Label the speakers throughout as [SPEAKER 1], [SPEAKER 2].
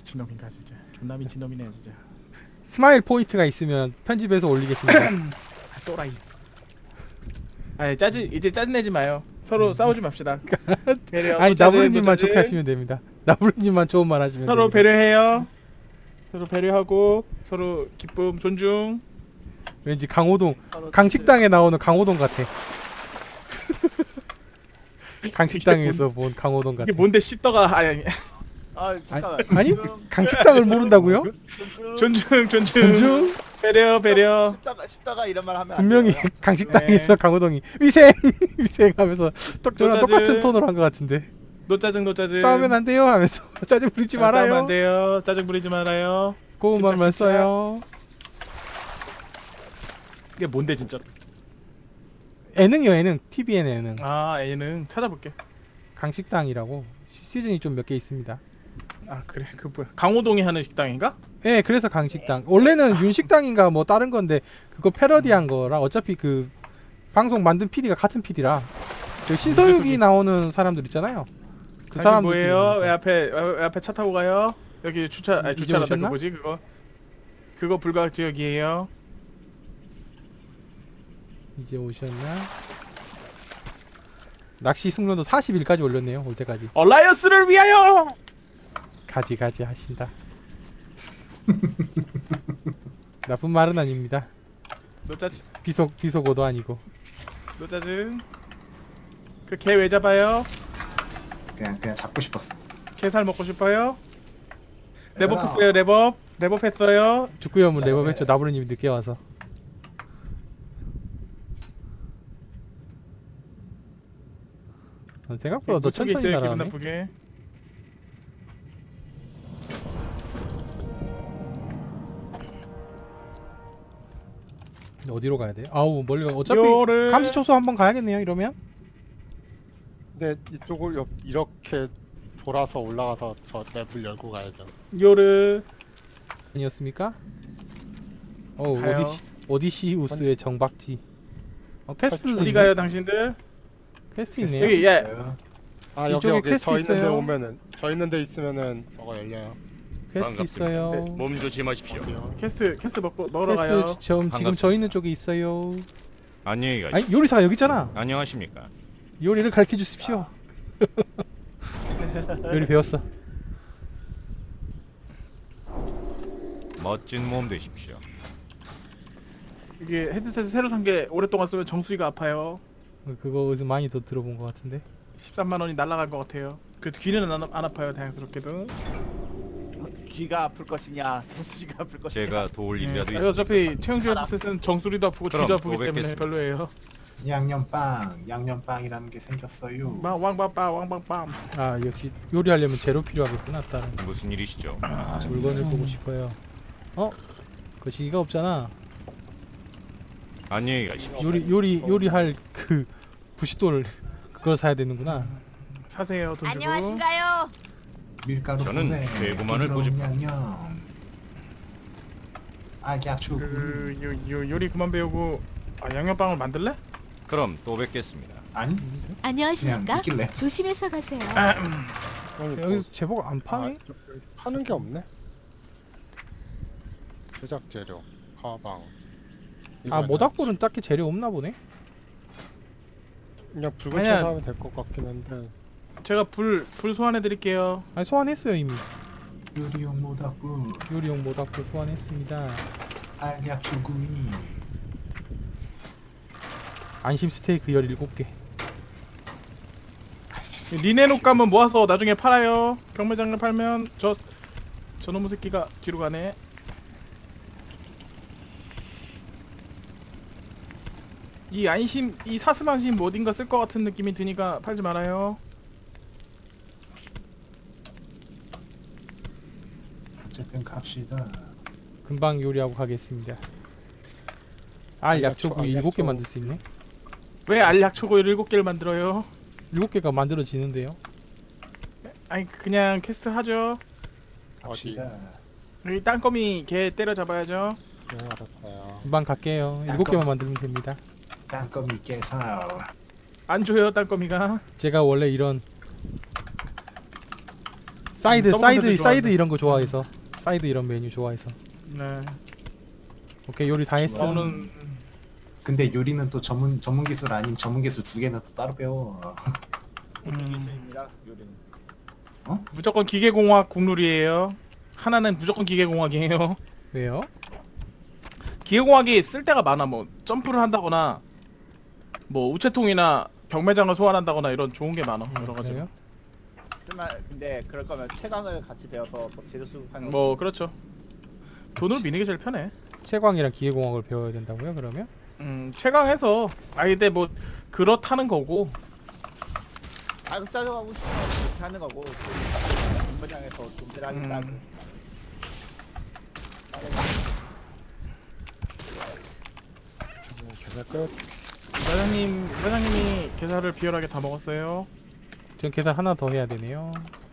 [SPEAKER 1] 미친놈인가 진짜. 존나 미친놈이네 진짜.
[SPEAKER 2] 스마일 포인트가 있으면 편집해서 올리겠습니다.
[SPEAKER 1] 아, 또라이. 아 이제 짜증내지 마요. 서로 싸우지 맙시다. 배려.
[SPEAKER 2] 아니
[SPEAKER 1] 노짜증,
[SPEAKER 2] 나부르님만
[SPEAKER 1] 노짜증.
[SPEAKER 2] 좋게 하시면 됩니다. 나부르님만 좋은 말 하시면
[SPEAKER 1] 서로
[SPEAKER 2] 됩니다.
[SPEAKER 1] 배려해요. 서로 배려하고 서로 기쁨 존중.
[SPEAKER 2] 왠지 강호동 강식당에 나오는 강호동 같아. 강식당에서 본 강호동 같아.
[SPEAKER 1] 이게 뭔데 씹더가 아니
[SPEAKER 3] 아 잠깐만.
[SPEAKER 2] 아니 강식당을 모른다고요?
[SPEAKER 1] 존중 존중.
[SPEAKER 2] 존중?
[SPEAKER 1] 배려.
[SPEAKER 3] 십자가 이런 말 하면 안
[SPEAKER 2] 분명히
[SPEAKER 3] 돼요.
[SPEAKER 2] 강식당에서
[SPEAKER 1] 네.
[SPEAKER 2] 강호동이 위생 위생하면서 저랑
[SPEAKER 1] 노짜증.
[SPEAKER 2] 똑같은 톤으로 한 것 같은데
[SPEAKER 1] 노짜증.
[SPEAKER 2] 싸우면 안 돼요 하면서 짜증 부리지
[SPEAKER 1] 싸우면 안
[SPEAKER 2] 말아요.
[SPEAKER 1] 돼요. 짜증 부리지 말아요.
[SPEAKER 2] 고운
[SPEAKER 1] 집착,
[SPEAKER 2] 말만
[SPEAKER 1] 집착.
[SPEAKER 2] 써요.
[SPEAKER 1] 이게 뭔데 진짜?
[SPEAKER 2] 예능이요 예능. TVN 예능.
[SPEAKER 1] 아 얘는 찾아볼게.
[SPEAKER 2] 강식당이라고 시즌이 좀 몇 개 있습니다.
[SPEAKER 1] 아 그래 그 뭐야 강호동이 하는 식당인가?
[SPEAKER 2] 예, 그래서 강식당. 원래는 윤식당인가 뭐 다른 건데 그거 패러디한 거라 어차피 그 방송 만든 PD가 같은 PD라. 신서유기 나오는 사람들 있잖아요. 그
[SPEAKER 1] 당신
[SPEAKER 2] 사람들
[SPEAKER 1] 뭐예요? 왜 앞에 차 타고 가요? 여기 주차 아니
[SPEAKER 2] 이제
[SPEAKER 1] 주차란다
[SPEAKER 2] 오셨나?
[SPEAKER 1] 그거지 그거 불가학 지역이에요.
[SPEAKER 2] 이제 오셨나? 낚시 숙련도 40일까지 올렸네요. 올 때까지.
[SPEAKER 1] 얼라이언스를 위하여.
[SPEAKER 2] 가지 하신다. 나쁜 말은 아닙니다.
[SPEAKER 1] 노짜증
[SPEAKER 2] 비속어도 아니고.
[SPEAKER 1] 노짜증. 그 개 왜 잡아요?
[SPEAKER 4] 그냥 잡고 싶었어.
[SPEAKER 1] 게살 먹고 싶어요?
[SPEAKER 4] 얘들아.
[SPEAKER 1] 레버했어요 레버했어요.
[SPEAKER 2] 축구연문 내법했죠. 나부르님이 늦게 와서. 생각보다 너
[SPEAKER 1] 그쪽에
[SPEAKER 2] 천천히
[SPEAKER 1] 있어요 기분
[SPEAKER 2] 날아가네.
[SPEAKER 1] 나쁘게.
[SPEAKER 2] 어디로 가야 돼? 아우 멀리 가. 어차피
[SPEAKER 1] 요를
[SPEAKER 2] 감시초소 한번 가야겠네요. 이러면.
[SPEAKER 5] 근데 이쪽을 이렇게 돌아서 올라가서 저 맵을 열고 가야죠.
[SPEAKER 1] 요를
[SPEAKER 2] 아니었습니까?
[SPEAKER 1] 가요.
[SPEAKER 2] 오디시우스의 정박지. 퀘스트
[SPEAKER 1] 어디 가요 당신들?
[SPEAKER 2] 퀘스트 있네요.
[SPEAKER 1] 여기 예
[SPEAKER 5] 아
[SPEAKER 2] 이쪽에
[SPEAKER 5] 여기
[SPEAKER 2] 퀘스트
[SPEAKER 5] 저 있는데
[SPEAKER 2] 있어요.
[SPEAKER 5] 오면은 저 있는데 있으면은 저거 열려요.
[SPEAKER 2] 퀘스트 있어요.
[SPEAKER 1] 네,
[SPEAKER 6] 몸 조심하십시오.
[SPEAKER 5] 어디요?
[SPEAKER 1] 캐스트 먹으러 가요.
[SPEAKER 2] 퀘스트 지금 저 있는 쪽에 있어요.
[SPEAKER 6] 안녕히 가십시오.
[SPEAKER 2] 아니 요리사가 여기 있잖아.
[SPEAKER 6] 안녕하십니까.
[SPEAKER 2] 요리를 가르쳐 주십시오. 요리 배웠어.
[SPEAKER 6] 멋진 몸 되십시오.
[SPEAKER 1] 이게 헤드셋 새로 산 게 오랫동안 쓰면 정수리가 아파요.
[SPEAKER 2] 그거 어디서 많이 더 들어본 것 같은데.
[SPEAKER 1] 13만 원이 날라갈 것 같아요. 그래도 귀는 안 아파요 다행스럽게도.
[SPEAKER 3] 귀가 아플 것이냐, 정수지가 아플 것이냐.
[SPEAKER 6] 제가 도울 일이라도
[SPEAKER 1] 아니, 어차피
[SPEAKER 6] 있습니다.
[SPEAKER 1] 최영주 헤드셋은 정수리도 아프고
[SPEAKER 6] 그럼
[SPEAKER 1] 귀도 아프기
[SPEAKER 6] 또
[SPEAKER 1] 때문에
[SPEAKER 6] 뵙겠습니다.
[SPEAKER 1] 별로예요.
[SPEAKER 4] 양념빵이라는 게 생겼어요.
[SPEAKER 1] 왕빵빵.
[SPEAKER 2] 아 역시 요리하려면 재료 필요하겠구나. 다른
[SPEAKER 6] 무슨 일이시죠?
[SPEAKER 2] 물건을 보고 싶어요. 거시기가 없잖아.
[SPEAKER 6] 안녕히 가십시오.
[SPEAKER 2] 요리할 그 부싯돌 그걸 사야 되는구나.
[SPEAKER 1] 사세요 돈 주고.
[SPEAKER 7] 안녕하신가요?
[SPEAKER 4] 밀가루
[SPEAKER 6] 저는
[SPEAKER 4] 보내.
[SPEAKER 6] 대구만을
[SPEAKER 4] 부드러운
[SPEAKER 6] 고집합니다.
[SPEAKER 4] 양념. 알약초.
[SPEAKER 1] 요리 그만 배우고 양념빵을 만들래?
[SPEAKER 6] 그럼 또 뵙겠습니다.
[SPEAKER 4] 아니 그냥
[SPEAKER 7] 안녕하십니까?
[SPEAKER 4] 있길래.
[SPEAKER 7] 조심해서 가세요.
[SPEAKER 2] 여기서 제복 안 파네?
[SPEAKER 5] 여기 파는 게 없네. 제작 재료, 가방.
[SPEAKER 2] 아 모닥불은 딱히 재료 없나 보네.
[SPEAKER 5] 그냥 붉은
[SPEAKER 1] 아니야.
[SPEAKER 5] 쳐서 하면 될 것 같긴 한데.
[SPEAKER 1] 제가 불 소환해 드릴게요.
[SPEAKER 2] 아니 소환했어요 이미.
[SPEAKER 4] 요리용 모닥불.
[SPEAKER 2] 요리용 모닥불 소환했습니다.
[SPEAKER 4] 알약초 구이.
[SPEAKER 2] 안심 스테이크 17개.
[SPEAKER 1] 리넨 옷감은 모아서 나중에 팔아요. 경매장에 팔면 저놈의 새끼가 뒤로 가네. 이 사슴안심 뭐 어딘가 쓸 것 같은 느낌이 드니까 팔지 말아요.
[SPEAKER 4] 어쨌든 갑시다.
[SPEAKER 2] 금방 요리하고 가겠습니다. 알 약초구이 7개 만들 수 있네.
[SPEAKER 1] 왜 알약초고를 7개를 만들어요?
[SPEAKER 2] 7개가 만들어지는데요.
[SPEAKER 1] 아니 그냥 퀘스트 하죠.
[SPEAKER 4] 갑시다.
[SPEAKER 1] 여기 땅거미 개 때려잡아야죠.
[SPEAKER 5] 네 알았어요.
[SPEAKER 2] 금방 갈게요. 7개만 만들면 됩니다.
[SPEAKER 4] 땅거미 깨서.
[SPEAKER 1] 안 줘요 땅거미가.
[SPEAKER 2] 제가 원래 이런 사이드
[SPEAKER 1] 서브컨텐츠
[SPEAKER 2] 사이드 이런 거 좋아해서 사이드 이런 메뉴 좋아해서.
[SPEAKER 1] 네.
[SPEAKER 2] 오케이 요리 다 했어.
[SPEAKER 1] 저는
[SPEAKER 4] 근데 요리는 또 전문 기술 아닌 전문 기술 두 개는 또 따로 배워.
[SPEAKER 3] 기술입니다. 요리는.
[SPEAKER 1] 무조건 기계공학 국룰이에요. 하나는 무조건 기계공학이에요.
[SPEAKER 2] 왜요?
[SPEAKER 1] 기계공학이 쓸 데가 많아. 뭐 점프를 한다거나 뭐 우체통이나 경매장을 소환한다거나 이런 좋은 게 많아. 여러 가지.
[SPEAKER 2] 그래요?
[SPEAKER 3] 근데 그럴 거면 채광을 같이 배워서 뭐 재료 수급하는
[SPEAKER 1] 뭐 그렇죠. 돈으로 미는 게 제일 편해.
[SPEAKER 2] 채광이랑 기계공학을 배워야 된다고요? 그러면?
[SPEAKER 1] 최강해서 아이들 뭐 그렇다는 거고.
[SPEAKER 3] 자극 짜져가고 싶으면 그렇게 하는 거고 공부장에서 좀 하겠다.
[SPEAKER 5] 계산 끝.
[SPEAKER 1] 사장님이 게살을 비열하게 다 먹었어요.
[SPEAKER 2] 전 계산 하나 더 해야 되네요.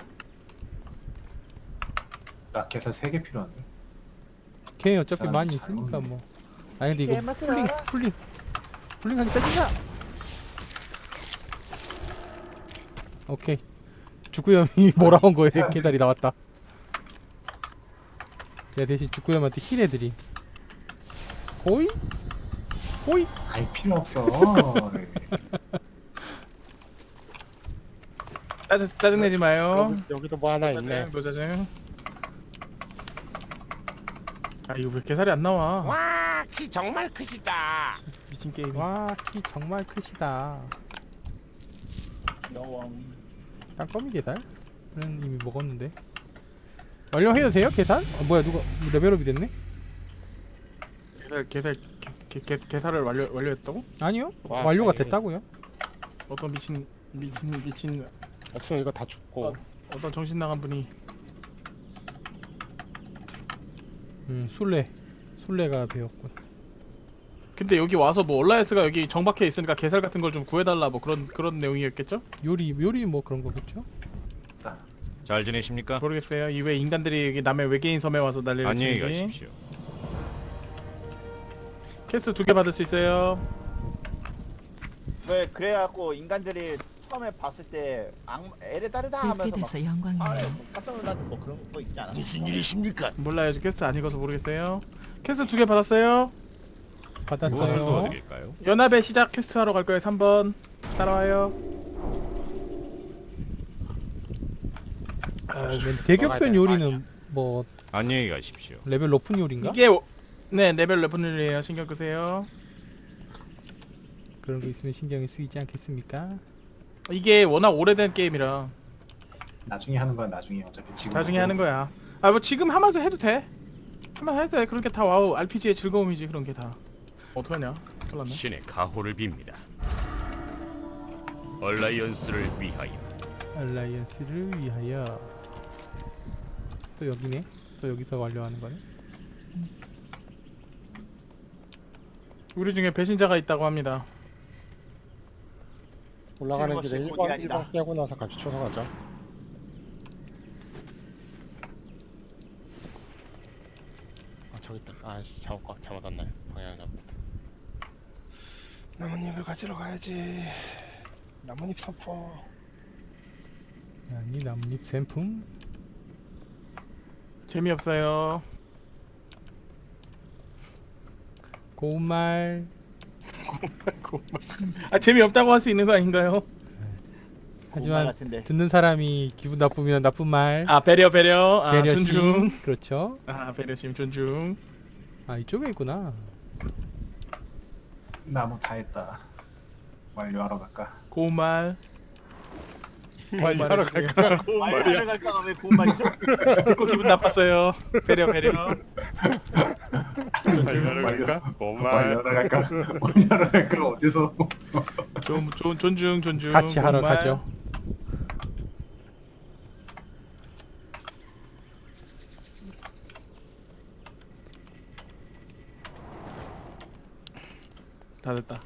[SPEAKER 4] 나 계산 3개 필요한데.
[SPEAKER 2] 걔 어차피
[SPEAKER 4] 사람
[SPEAKER 2] 많이
[SPEAKER 4] 잘
[SPEAKER 2] 있으니까
[SPEAKER 4] 먹네.
[SPEAKER 2] 뭐. 아 근데 이거 풀링하기 짜증나. 오케이. 죽구염이 몰아온 거에 계달이 나왔다. 제가 대신 죽구염한테 힐 해드림. 호이? 호이?
[SPEAKER 4] 아이 필요 없어.
[SPEAKER 1] 짜증내지 마요.
[SPEAKER 5] 여기도 뭐 하나 있네.
[SPEAKER 1] 노자증. 아 이거 왜 게살이 안 나와?
[SPEAKER 8] 와, 키 정말 크시다.
[SPEAKER 1] 미친 게임.
[SPEAKER 2] 와, 키 정말 크시다.
[SPEAKER 3] 여왕.
[SPEAKER 2] 땅거미 계산? 는 이미 먹었는데. 완료해도 돼요 계산? 뭐야 누가 레벨업이 됐네?
[SPEAKER 1] 게살을 완료했다고?
[SPEAKER 2] 아니요.
[SPEAKER 5] 와,
[SPEAKER 2] 완료가
[SPEAKER 5] 다행이네.
[SPEAKER 2] 됐다고요.
[SPEAKER 1] 어떤 미친
[SPEAKER 5] 없으면 이거 다 죽고.
[SPEAKER 1] 어떤 정신 나간 분이
[SPEAKER 2] 술래가 배웠군.
[SPEAKER 1] 근데 여기 와서 뭐 얼라이스가 여기 정박해 있으니까 게살 같은 걸 좀 구해달라 뭐 그런 내용이었겠죠?
[SPEAKER 2] 요리 뭐 그런 거겠죠?
[SPEAKER 6] 잘 지내십니까?
[SPEAKER 1] 모르겠어요. 이 왜 인간들이 여기 남의 외계인 섬에 와서 난리를
[SPEAKER 6] 안녕히
[SPEAKER 1] 치는지.
[SPEAKER 6] 가십시오.
[SPEAKER 1] 퀘스트 2개 받을 수 있어요.
[SPEAKER 3] 왜 그래갖고 인간들이 처음에 봤을 때 에레다르다 하면서 막
[SPEAKER 7] 불빛에서 영광이에요.
[SPEAKER 3] 뭐 깜짝 놀랐는 뭐 그런 거 있지 않아?
[SPEAKER 8] 무슨 일이십니까?
[SPEAKER 1] 몰라요. 저 퀘스트 안 읽어서 모르겠어요. 퀘스트 2개 받았어요.
[SPEAKER 6] 무엇을
[SPEAKER 2] 받았어요.
[SPEAKER 6] 도와드릴까요?
[SPEAKER 1] 연합의 시작 퀘스트 하러 갈 거예요. 3번 따라와요.
[SPEAKER 2] 대격변 요리는 뭐
[SPEAKER 6] 안녕히 가십시오.
[SPEAKER 2] 레벨 높은 요리인가?
[SPEAKER 1] 네 레벨 레벨이에요. 신경 끄세요.
[SPEAKER 2] 그런 거 있으면 신경이 쓰이지 않겠습니까?
[SPEAKER 1] 이게 워낙 오래된 게임이라
[SPEAKER 4] 나중에 하는 거야 나중에 어차피 지금.
[SPEAKER 1] 나중에 하는 거야. 아 뭐 지금 하면서 해도 돼. 하면 해도 돼. 그런 게 다 와우 RPG의 즐거움이지 그런 게 다. 어떡하냐? 큰일 났네.
[SPEAKER 6] 신의 가호를 빕니다. 얼라이언스를 위하여.
[SPEAKER 2] 알라이언스를 위하여. 또 여기네. 또 여기서 완료하는 거네.
[SPEAKER 1] 우리 중에 배신자가 있다고 합니다.
[SPEAKER 5] 올라가는
[SPEAKER 3] 실버시
[SPEAKER 5] 길에
[SPEAKER 3] 고기
[SPEAKER 5] 1번
[SPEAKER 3] 아니다.
[SPEAKER 5] 깨고 나서 같이 쳐서 가자. 아 저기 있다. 아씨 잘못했네. 방향 잘못. 나뭇잎을 가지러 가야지. 나뭇잎 선포.
[SPEAKER 2] 아니 나뭇잎 샘품.
[SPEAKER 1] 재미없어요.
[SPEAKER 2] 고운말.
[SPEAKER 1] 아 재미없다고 할 수 있는 거 아닌가요?
[SPEAKER 3] 공말
[SPEAKER 2] 하지만
[SPEAKER 3] 같은데.
[SPEAKER 2] 듣는 사람이 기분 나쁘면 나쁜 말.
[SPEAKER 1] 아 배려 아
[SPEAKER 2] 배려심.
[SPEAKER 1] 존중.
[SPEAKER 2] 그렇죠.
[SPEAKER 1] 아 배려심 존중.
[SPEAKER 2] 아 이쪽에 있구나.
[SPEAKER 4] 나무 다 했다. 완료하러 갈까?
[SPEAKER 1] 고운 말.
[SPEAKER 5] 완료하러
[SPEAKER 1] 갈까?
[SPEAKER 3] 말을 갈까 왜 공말이죠?
[SPEAKER 1] 듣고 기분 나빴어요. 배려.
[SPEAKER 5] 완료하러 갈까?
[SPEAKER 4] 완료하러 갈까? 완료하러 갈까? 어디서?
[SPEAKER 1] 좀 존중.
[SPEAKER 2] 같이 하러
[SPEAKER 1] 고운 말.
[SPEAKER 2] 가죠.
[SPEAKER 1] 다 됐다.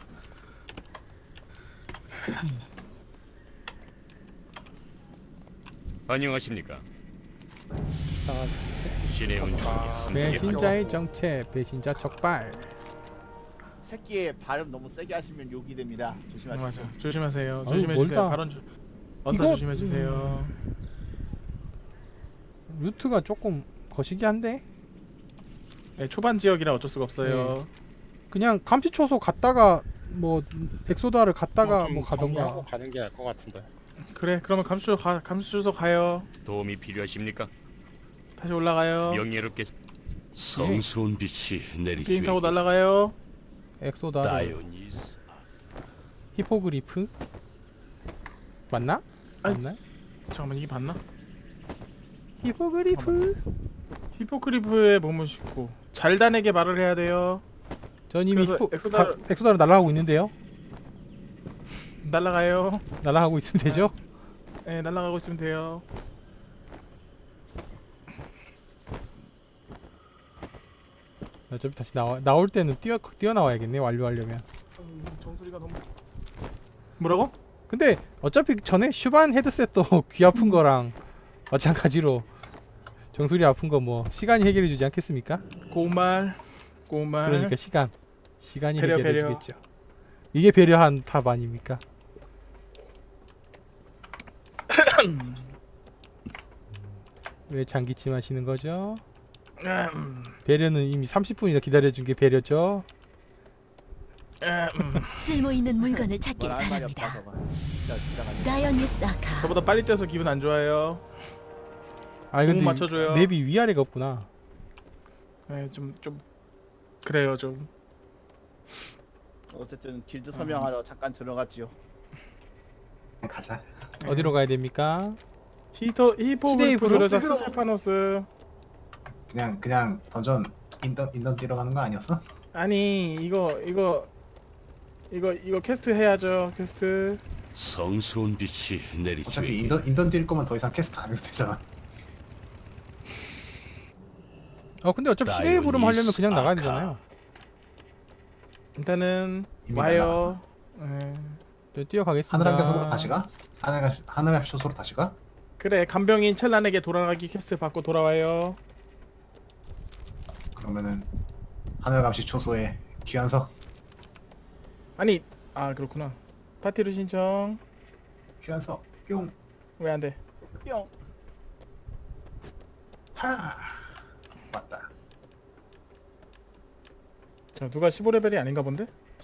[SPEAKER 6] 안녕하십니까?
[SPEAKER 5] 이상한
[SPEAKER 6] 신의 운명이 함께하여.
[SPEAKER 2] 배신자의 정체. 배신자 적발.
[SPEAKER 3] 새끼의 발음 너무 세게 하시면 욕이 됩니다. 조심하시죠.
[SPEAKER 1] 맞아. 조심하세요.
[SPEAKER 2] 아유,
[SPEAKER 1] 조심해 주세요.
[SPEAKER 2] 멀다.
[SPEAKER 1] 발언 언사
[SPEAKER 2] 이거-
[SPEAKER 1] 조심해 주세요.
[SPEAKER 2] 루트가 조금 거시기한데
[SPEAKER 1] 네, 초반 지역이라 어쩔 수가 없어요.
[SPEAKER 2] 그냥 감시초소 갔다가 뭐 엑소다를 갔다가
[SPEAKER 1] 좀
[SPEAKER 2] 뭐
[SPEAKER 5] 하고
[SPEAKER 2] 가던가.
[SPEAKER 5] 가는 게 나을 것 같은데.
[SPEAKER 1] 그래, 그러면 감수소 가요.
[SPEAKER 6] 도움이 필요하십니까?
[SPEAKER 1] 다시 올라가요.
[SPEAKER 6] 명예롭게
[SPEAKER 8] 성스러운 빛이
[SPEAKER 1] 비행
[SPEAKER 8] 내리쬐.
[SPEAKER 1] 타고 날아가요.
[SPEAKER 2] 엑소다
[SPEAKER 8] 다이오니스.
[SPEAKER 2] 히포그리프 맞나?
[SPEAKER 1] 아니.
[SPEAKER 2] 맞나?
[SPEAKER 1] 잠깐만, 이게 맞나?
[SPEAKER 2] 히포그리프.
[SPEAKER 1] 히포크리프의 몸을 싣고 잘단에게 말을 해야 돼요.
[SPEAKER 2] 전 이미
[SPEAKER 1] 그래서
[SPEAKER 2] 엑소다로 날아가고 있는데요.
[SPEAKER 1] 날아가요.
[SPEAKER 2] 날아가고 있으면 되죠?
[SPEAKER 1] 네, 날아가고 있으면 돼요.
[SPEAKER 2] 어차피 다시 나올 때는 뛰어나와야겠네. 완료하려면.
[SPEAKER 1] 정수리가 너무 뭐라고?
[SPEAKER 2] 근데 어차피 전에 슈반 헤드셋도 귀 아픈 거랑 마찬가지로 정수리 아픈 거 뭐 시간이 해결해 주지 않겠습니까?
[SPEAKER 1] 고말.
[SPEAKER 2] 그러니까 시간이
[SPEAKER 1] 배려,
[SPEAKER 2] 해결해
[SPEAKER 1] 배려.
[SPEAKER 2] 주겠죠. 이게 배려한 탑 아닙니까? 왜 장기침 하시는 거죠? 배려는 이미 30분이나 기다려준 게 배려죠.
[SPEAKER 7] 쓸모 있는 물건을 찾길
[SPEAKER 3] 뭘할 말이 없다
[SPEAKER 7] 바랍니다.
[SPEAKER 3] 저거. 진짜 가지고.
[SPEAKER 7] 다이오니스 아카.
[SPEAKER 1] 저보다 빨리 뛰어서 기분 안 좋아요.
[SPEAKER 2] 아
[SPEAKER 1] 너무
[SPEAKER 2] 근데
[SPEAKER 1] 맞춰줘요.
[SPEAKER 2] 맵이 위아래가 없구나.
[SPEAKER 1] 네, 좀 그래요, 좀.
[SPEAKER 3] 어쨌든 길드 서명하러 잠깐 들어갔지요.
[SPEAKER 4] 그냥 가자.
[SPEAKER 2] 어디로 가야 됩니까?
[SPEAKER 1] 히포그리프
[SPEAKER 2] 시데이브로?
[SPEAKER 1] 그러자 스테파노스.
[SPEAKER 4] 그냥 던전 인던 뛰러 가는 거 아니었어?
[SPEAKER 1] 아니, 이거 퀘스트 해야죠. 퀘스트.
[SPEAKER 8] 성스러운 빛이
[SPEAKER 4] 어차피
[SPEAKER 8] 내리쬐.
[SPEAKER 4] 인던 뛸 거면 더 이상 캐스트 안 해도 되잖아.
[SPEAKER 2] 근데 어차피 시대의 부름 하려면 그냥 나가야
[SPEAKER 8] 아카.
[SPEAKER 2] 되잖아요.
[SPEAKER 1] 일단은
[SPEAKER 4] 이미
[SPEAKER 1] 와요. 네.
[SPEAKER 2] 저 뛰어가겠습니다.
[SPEAKER 4] 하늘함교소로 다시 가? 하늘함교소로 다시 가?
[SPEAKER 1] 그래, 간병인 첼란에게 돌아가기 퀘스트 받고 돌아와요.
[SPEAKER 4] 그러면은 하늘감시 초소에 귀한석
[SPEAKER 1] 아니, 그렇구나. 파티로 신청.
[SPEAKER 4] 귀한석 뿅
[SPEAKER 1] 왜 안 돼?
[SPEAKER 3] 뿅.
[SPEAKER 4] 하. 맞다.
[SPEAKER 1] 자, 누가 15레벨이 아닌가 본데?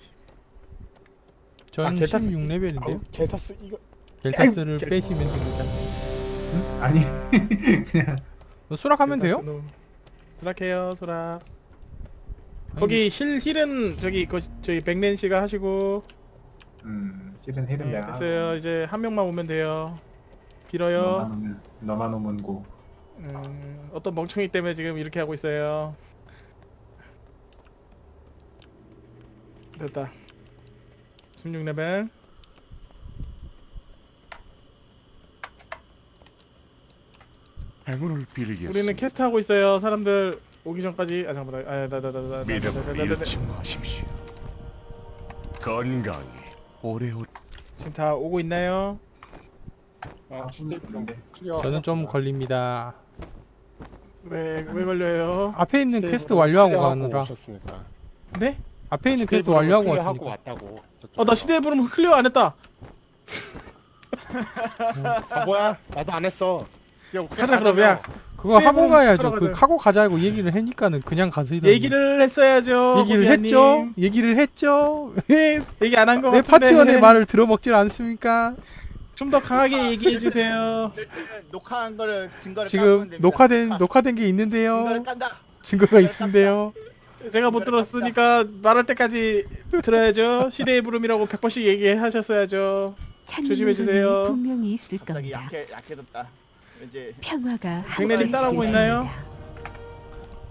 [SPEAKER 2] 전
[SPEAKER 1] 델타스-
[SPEAKER 2] 16레벨인데요.
[SPEAKER 1] 아우, 델타스 이거
[SPEAKER 2] 델타스를
[SPEAKER 1] 아이고,
[SPEAKER 2] 빼시면 됩니다.
[SPEAKER 4] 아니 그냥
[SPEAKER 2] 수락하면 돼요?
[SPEAKER 1] 수락해요, 수락.
[SPEAKER 2] 아니,
[SPEAKER 1] 거기 힐은 저기 백렌 씨가 하시고.
[SPEAKER 4] 힐은
[SPEAKER 1] 네,
[SPEAKER 4] 내가
[SPEAKER 1] 됐어요. 이제 한 명만 오면 돼요. 빌어요.
[SPEAKER 4] 너만 오면 고.
[SPEAKER 1] 어떤 멍청이 때문에 지금 이렇게 하고 있어요. 됐다. 16레벨.
[SPEAKER 8] 행운을 빌겠습니다.
[SPEAKER 1] 우리는 캐스트 하고 있어요. 사람들 오기 전까지. 잠깐만.
[SPEAKER 8] 믿음을 잃지 마십시오. 건강히 오래오래.
[SPEAKER 1] 지금 다 오고 있나요?
[SPEAKER 4] 있는데
[SPEAKER 2] 저는 좀 걸립니다.
[SPEAKER 1] 왜 걸려요?
[SPEAKER 2] 앞에 있는
[SPEAKER 5] 시대의
[SPEAKER 2] 퀘스트
[SPEAKER 5] 부름
[SPEAKER 2] 완료하고
[SPEAKER 5] 클리어하고
[SPEAKER 2] 가느라.
[SPEAKER 5] 오셨으니까.
[SPEAKER 1] 네?
[SPEAKER 2] 앞에 있는
[SPEAKER 5] 시대의
[SPEAKER 2] 퀘스트
[SPEAKER 5] 부름을
[SPEAKER 2] 완료하고
[SPEAKER 5] 클리어하고
[SPEAKER 2] 왔으니까.
[SPEAKER 5] 왔다고.
[SPEAKER 1] 나 시대의 부름 클리어 안 했다.
[SPEAKER 5] 뭐야? 나도 안 했어.
[SPEAKER 1] 가자, 그럼. 야,
[SPEAKER 2] 그거 하고
[SPEAKER 1] 시대의
[SPEAKER 2] 가야죠.
[SPEAKER 1] 부름
[SPEAKER 2] 그
[SPEAKER 1] 하러
[SPEAKER 2] 하고 가자고 얘기를 하니까는 그냥 가시던데.
[SPEAKER 1] 얘기를 했어야죠.
[SPEAKER 2] 얘기를
[SPEAKER 1] 호비아님.
[SPEAKER 2] 했죠. 얘기를 했죠. 왜
[SPEAKER 1] 얘기 안 한 거
[SPEAKER 2] 내
[SPEAKER 1] 같은데.
[SPEAKER 2] 파티원의 말을 들어먹질 않습니까?
[SPEAKER 1] 좀 더 강하게 얘기해 주세요.
[SPEAKER 3] 녹화한 거를 증거를
[SPEAKER 2] 지금
[SPEAKER 3] 깎으면
[SPEAKER 2] 녹화된 게 있는데요.
[SPEAKER 3] 증거를 깐다.
[SPEAKER 2] 증거가 있는데요.
[SPEAKER 1] 제가 못 들었으니까 말할 때까지 들어야죠. 시대의 부름이라고 100번씩 얘기하셨어야죠.
[SPEAKER 9] 찾는
[SPEAKER 1] 조심해 주세요.
[SPEAKER 9] 물건이 분명히 있을
[SPEAKER 3] 갑자기
[SPEAKER 9] 겁니다.
[SPEAKER 3] 약해졌다. 이제
[SPEAKER 9] 평화가
[SPEAKER 1] 백내님 따라오고 있나요?
[SPEAKER 9] 함께하실